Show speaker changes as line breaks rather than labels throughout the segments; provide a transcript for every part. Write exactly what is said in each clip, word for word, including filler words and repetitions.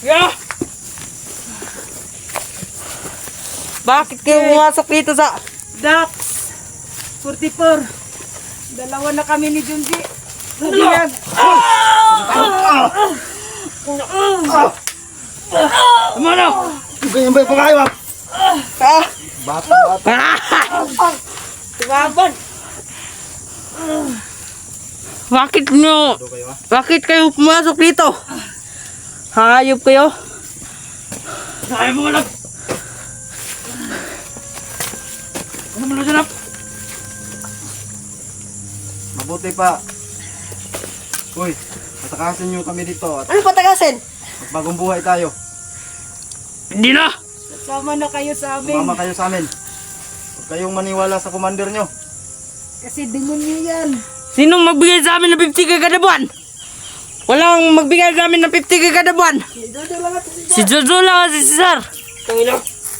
Yeah! Bakit kayo pumasok dito sa
Dax forty-four. Dalawa na kami ni Junji. Nabiyag.
Tama na!
Ganyan ba yung pangkayo?
Ah!
Bata, bata.
Tumaban.
Bakit nyo?
Ito kayo ha?
Bakit kayo pumasok dito? Hayop kayo? Hayop mo lang! Ano mo lang dyan?
Mabuti pa. Uy, patakasin nyo kami dito at
Ano patagasin?
magbagong buhay tayo.
Hindi na!
Sama na kayo sa amin.
Sumama kayo sa amin. Huwag kayong maniwala sa commander nyo.
Kasi demonyo yan.
Sino magbigay sa amin ng fifty K kada buwan? Walang magbigay sa amin ng fifty K kada buwan.
Jojo lang at si
Si Jojo lang at si Cesar. Tangina.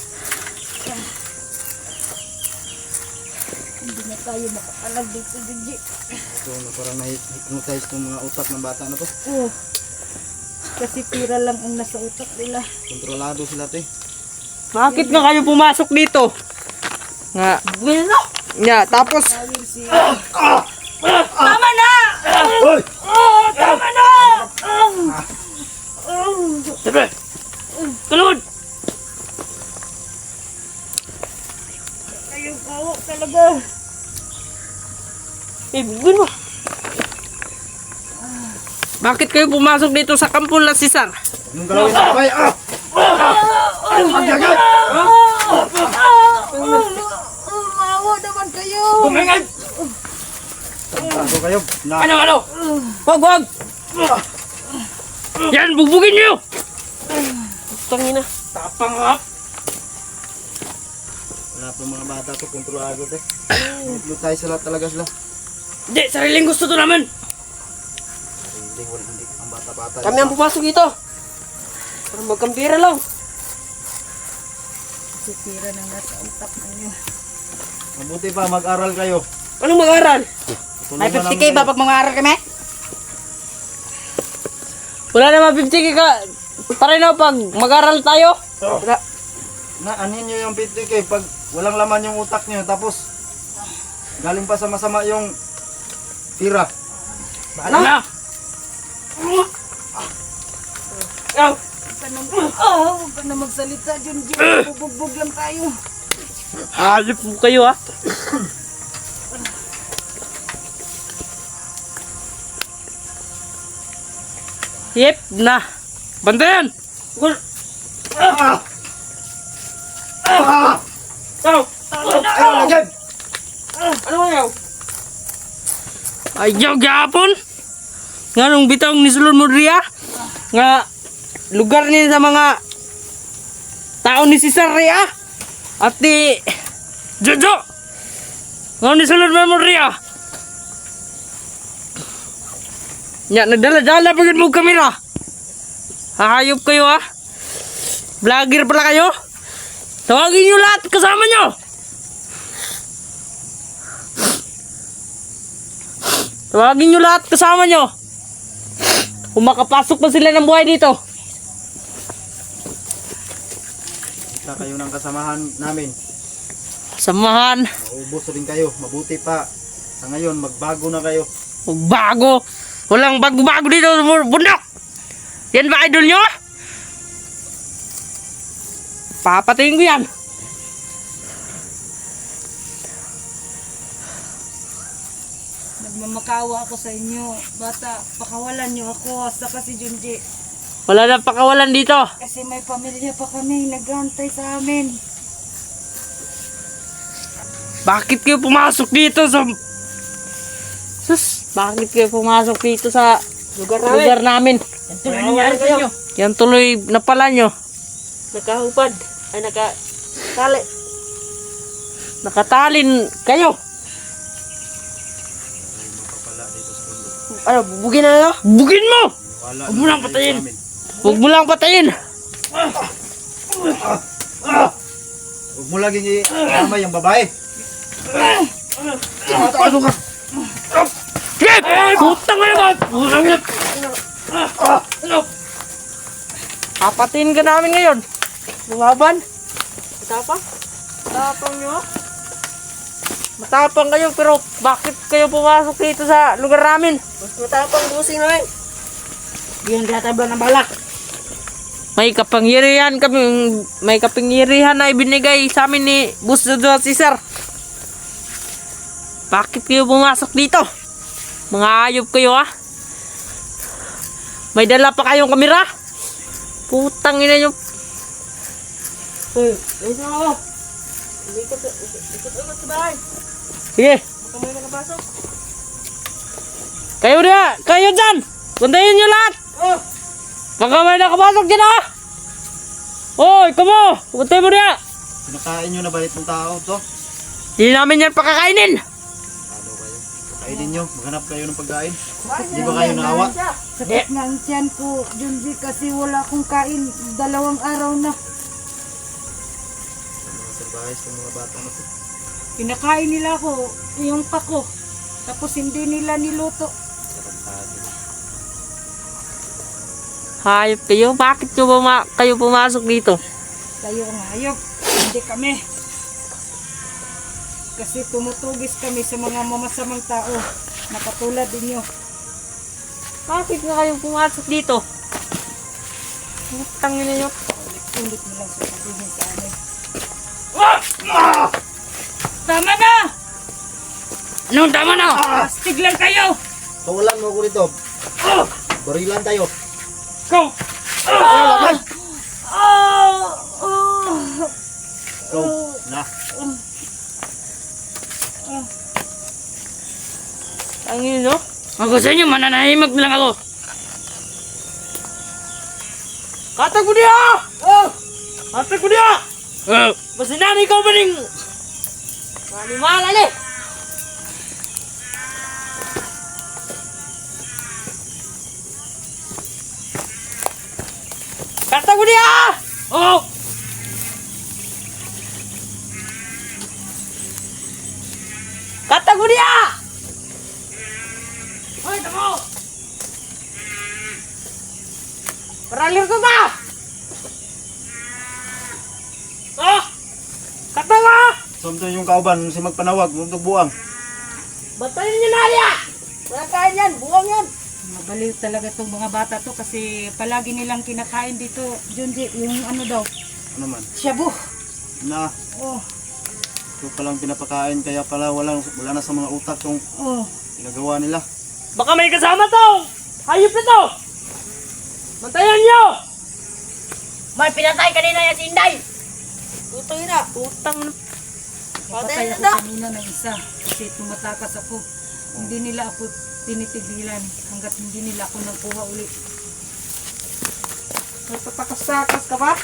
Hindi na tayo makakalag dito, Junji.
Ito na parang na-hypnotize itong mga utak ng bata na to.
Oh. Kasi pira lang ang nasa utak nila.
Kontrolado sila to eh.
Bakit nga kayo pumasok dito? Nga.
Bueno!
Nga, tapos
Tawir si...
tama na!
Uy!
Tama na! Sabi! Tulod!
Ayaw kawo talaga.
Eh, bugin mo. Bakit kayo pumasok dito sa kampo na si Cesar?
Anong galawin sa kabay? Ah! Maglagay!
Mawa naman kayo.
Kumingay!
Tago kayo. Na.
Ano, ano? Wag, wag! Yan, bubugin niyo! Tangina. Tapang ha?
Wala pa mga bata to. Kontrolado to eh. Hypnotize sila talaga sila.
Hindi, sariling gusto to naman.
Hindi, wala, hindi. Ang bata-bata.
Kami ang pumasok dito. Para magkampira lang.
Si pira na nasa utak ninyo.
Mabuti pa, mag-aral kayo.
Anong mag-aral?
May fifty K ba pag mga aral kami?
Wala naman fifty K ka. Tara na pag mag-aral tayo.
Wala. Na, anin nyo yung fifty K pag walang laman yung utak nyo. Tapos, galing pa sa masama yung tira.
Ano? Na. Ow.
Huwag ka na, oh, huwag ka na magsalita, Junji. Bubugbog lang tayo.
Halip po kayo ha. Yep, na. Bantayan! Gul-
Ah! Ah!
Ow!
Ayaw, lagyan!
Ano ayaw? Ayaw gapon. Nga nung bitang ni Sulon Modria. Nga lugar niya sa mga tao ni Cesar Ria. At ni Jojo. Nga ni Sulon Modria. Nya nagdala-dala pagod mo kamera. Hayop kayo ha. Vlogger pala kayo. Tawagin nyo lahat kasama nyo. Tawagin nyo lahat kasama nyo. Kung makapasok pa sila ng buhay dito.
Kita kayo ng kasamahan namin.
Samahan.
Maubos rin kayo. Mabuti pa. Sa ngayon, magbago na kayo.
Bago. Walang bago-bago dito sa bundok. Yan ba idol nyo? Papatayin ko yan.
Nagmamakawa ako sa inyo. Bata, pakawalan niyo ako. Saka si Junji.
Wala na pakawalan dito.
Kasi may pamilya pa kami. Nag-aantay sa amin.
Bakit kayo pumasok dito sa... Sus, bakit kayo pumasok dito sa
Lugar
lugar namin?
Yan tuloy nangyari sa inyo.
Yan tuloy na pala nyo.
Nakahupad. Ay, nakatali.
Nakatalin kayo.
Mapapala dito sa mundo.
Ano, bubugin na nyo?
Bugin mo!
Wala
Huwag mo lang
kayo
patayin.
sa amin.
Huwag mo lang patayin.
Huwag mo laging i-amay ang babae. Ano ka?
Shit! Putang ina ba? Putang ina. Ano? Apatin ka namin ngayon. Lumaban. Matapang? Matapang nyo? Matapang kayo, pero bakit kayo pumasok dito sa lugar namin?
Mas matapang busing namin. Yung tatabla ng balak.
May kapangyarihan kami, may kapangyarihan na ibinigay sa amin ni Boss Jojo at si Sir. Bakit kayo pumasok dito? Mga ayop kayo, ha? May dala pa kayong kamera? Putang ina nyo.
Uy, ayun na ako. Ikot, ikot, ikot sa bahay.
Sige.
Baka may nakapasok.
Kayo na, kayo dyan. Bantayin nyo lahat.
Oh!
Baka may nakapasok dyan, ha? Hoy, kamo. Bantay mo na.
Pinakain nyo na ba itong tao to?
Hindi namin yan pakakainin.
Ano kayo? Kainin nyo, maghanap kayo ng pagkain. Di ba kayo naawa?
Sakit na ang tiyan ko, Junji, kasi wala akong kain dalawang araw na.
Mga survives ng mga bata na to.
Kinakain nila ako, yung pako. Tapos hindi nila niluto.
Tarantado.
Hayop kayo. Bakit nyo buma kayo pumasok dito?
Kayo ang hayop, hindi kami. Kasi tumutugis kami sa mga mamasamang tao na katulad ninyo.
Bakit nga kayo pumasok dito? Putang ina nyo.
Ulit mo lang sasabihin sa amin.
Ah!
Tama na!
Anong tama na?
Astig lang kayo!
Tawalan mo ako rito. Barilan tayo.
Go!
Ah! Ah! Ah!
Go. Na.
Ang ino, no? Ako sa inyo, mananahimag na lang ako. Katag mo niya! Oh! Katag mo niya! Oh! Masinani ko ba ning... Manimala ni! Katag mo niya! Oh! Katag mo niya! Hoy, tamo! Paralir ko ba? Oh! Katawa!
Sumto yung kauban, si magpanawag, huwag buang.
Batayin niyo na niya! Wala kain yan, buwang yan!
Mabaliw talaga itong mga bata to kasi palagi nilang kinakain dito, Junji, yung ano daw,
Ano man?
shabu.
Na,
Oh,
ito palang pinapakain, kaya pala walang, wala na sa mga utak yung
oh.
ginagawa nila.
Baka may kasama to! Hayop na to! Bantayan niyo!
May pinatay kanina yan si Inday!
Tutang na! Tutang na!
Napatay ako kanina ng isa kasi tumatakas ako. Hindi nila ako tinitigilan hanggat hindi nila ako nakuha ulit.
Nagpapakasakas ka ba?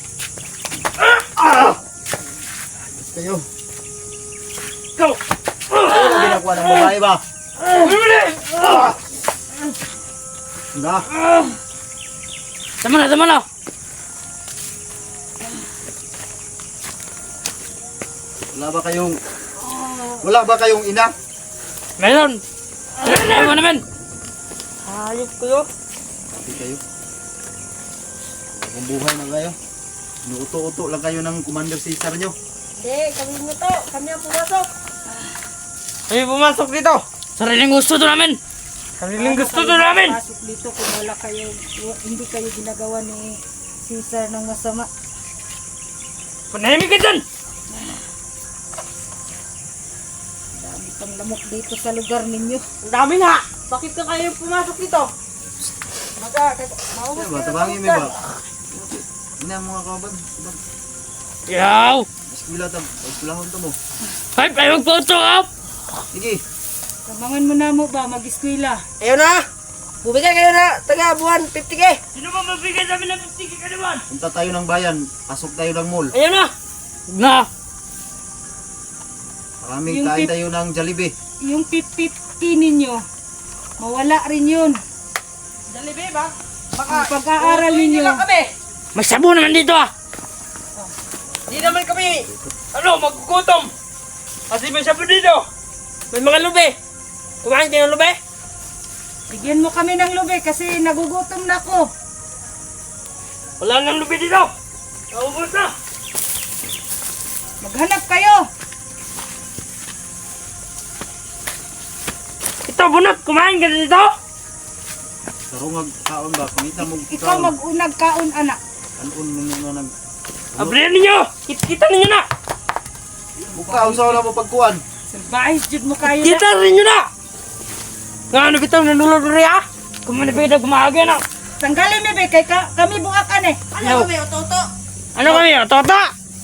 Kayo,
Go!
ano ginagawa ng babae ba?
Bumili!
Na,
Tama na, tama na!
wala ba kayong, wala ba kayong ina?
Meron! Meron mo naman! Hayop kayo!
Hindi kayo. Kung buhay na kayo. Inuuto-uto lang kayo ng Commander Caesar nyo.
Hindi, kami mo to. Kami ang pumasok.
Kami pumasok dito! Sariling gusto to namin! Sariling gusto to namin!
Pasok dito kung wala kayo, hindi kayo ginagawa ni Caesar ng masama.
Panahimik ka dyan!
Dami pang lamok dito sa lugar ninyo.
Ang dami nga! Bakit ka kayo pumasok dito?
Maga, maubos
Ano ba? Tabangin mo ba? Ina mga kaban.
Yaw!
Eskwila tam. Eskwilahon to mo.
Ay, kayo magphoto up!
Sige.
Tabangan mo na mo ba, mag-eskwela.
Ayun na! Bumigay kayo na taga buwan fifty K! Sino ba mabigay sa amin ng fifty K ka naman?
Punta tayo ng bayan. Pasok tayo ng mall.
Ayun na! Na!
Maraming
Yung
kain
tip-
tayo ng Jollibee.
Yung fifty ninyo, mawala rin yun.
Dalibe ba?
Ang pag-aaral ninyo,
kami! May sabo naman dito ah! Hindi naman kami, ano, magkukutom! Kasi may sabo dito! May mga lube! Kumain kayo ng lube?
bigyan mo kami ng lube kasi nagugutom na ako.
Wala nang lubi dito. Naubos na.
Maghanap kayo.
Ito, bunot. Kumain ka na dito.
Sarungag kaon ba? Pangita mo
Ikaw mag-unag kaon, anak.
Kanon mo nyo na nag...
Abrihan ninyo. Kita ninyo na.
Buka, usaw na mo pagkuhan.
Salbahis jud mo kayo na.
Kita ninyo na. Nga ano bitaw nanulog rin ah. Kumanipid na gumahagay na.
Tanggalin mi be kay ka, kami buakan eh.
Ano kami, Toto? Ano kami, Toto?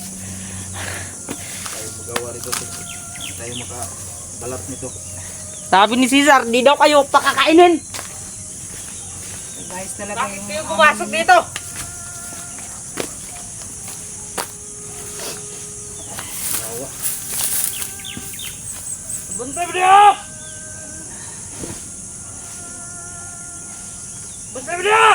Tayo magawa rito. Tayo makabalat nito.
Sabi ni Cesar, di daw kayo pakakainin.
Salbahis talaga yung...
Kayo pumasok dito. Buntay mo niyo! Buntay mo niyo!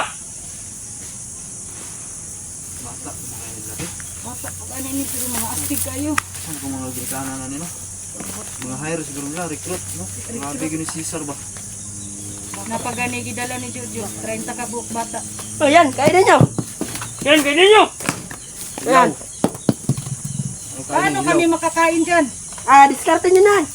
Mata, kumakain labi.
Bata, pag ano ni pero mga astig kayo.
Saan kung mga ginikanan na nila? Mga hire siguro nila, recruit, no? Mga bigyan ni Caesar ba?
Napagani gidala ni Jojo, thirty ka buok bata.
O yan, kainin nyo. Yan, kainin nyo. Yan.
Ano kain
Paano
ng
kami
ilaw?
makakain dyan?
Ah, diskarte nyo na.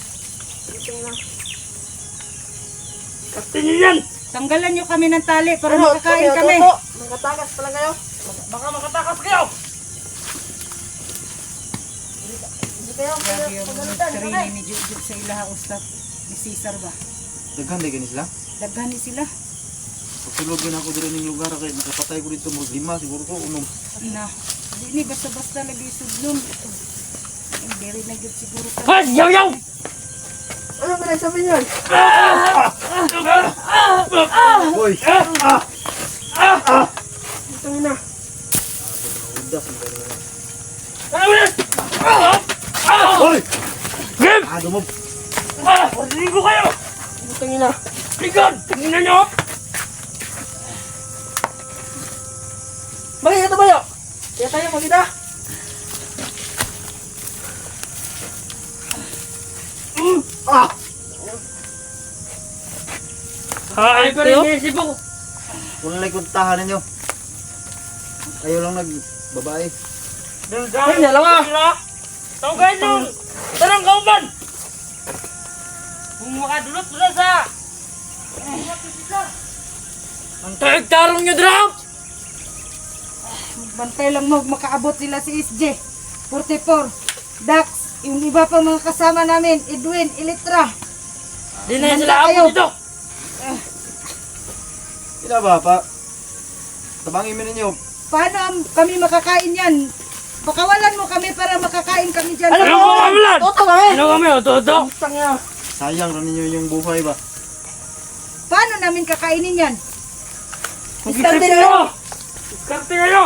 Diskarte nyo yan.
Tanggalan nyo kami ng tali para
Ano,
makakain
kayo,
kami.
Toto? Makatakas pala kayo. Baka makatakas kayo. Hindi kayo,
Grabe yung
pagalitan.
training ni Jojo sa ilaha ustad ni Cesar ba?
Daghan di sila.
Daghan ni sila.
Pagsulog din ako dito ng lugar kay nakapatay ko dito mga lima siguro ko unom.
Na, di ni basta-basta lagi sudlon. Ang diri na gyud siguro ka.
Ha, yaw, yaw. Ano ba nagsabi nyo?
Hoy!
Ito na.
Udas ang gano'n.
Ano ba yan?
Hoy!
Game!
Ah, dumog!
Ah! Parinig ko kayo! Ito na. Ligon! Tingnan nyo! Bakit ito ba yun? Kaya tayo magkita. Mm.
Ah!
Ay, pa rin yung isip ko.
Kung nalay kuntahan ninyo. Kayo lang nagbabae.
Ay, nalang ah! Tawagay nyo! Tarang kauban! Kung makadulot doon sa... Ang taig-tarong nyo, Dram!
Magbantay lang mo makaabot sila si S J. forty-four. Dax, yung iba pa mga kasama namin, Edwin, Elitra.
Di na
Handa
sila
kayo.
ako dito!
Sila ba pa? Tabangin mo ninyo.
Paano am- kami makakain yan? Pakawalan mo kami para makakain kami dyan.
Ano po kami lan?
Toto kami.
Ano kami, o toto?
Sayang rin ninyo yung buhay ba?
Paano namin kakainin yan?
Diskarte kayo! Diskarte kayo!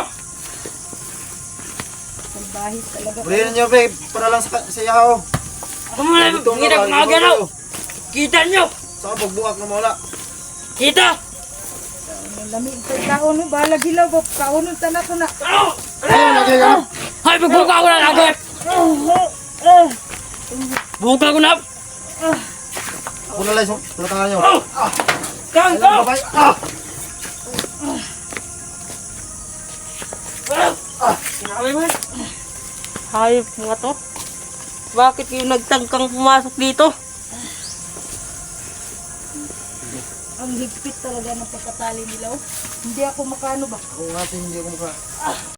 Salbahis talaga.
Burihin ninyo, babe. Para lang sa, sa yaw.
Kumulay,
Gutom na
hindi
ba?
na gumagalaw!
Gutom
Kita nyo!
Saka pagbuak na mawala.
Kita!
Ang lami ito kaon mo. Bahala gilaw ba? Kaunon ta na ko na.
Ano?
Ano lagi ka?
Ay, magbuka ko na lagi! Buka ko na!
Ako na lang, pulatangan nyo.
Oh! Kang
Alam
ko!
ba ba? Ah!
Ah! Sinabi mo yan? Hayop mga to. Bakit yung nagtangkang pumasok dito?
Ang higpit talaga ng pagkatali nila. oh. Hindi ako makano ba?
Ako nga, hindi ako maka...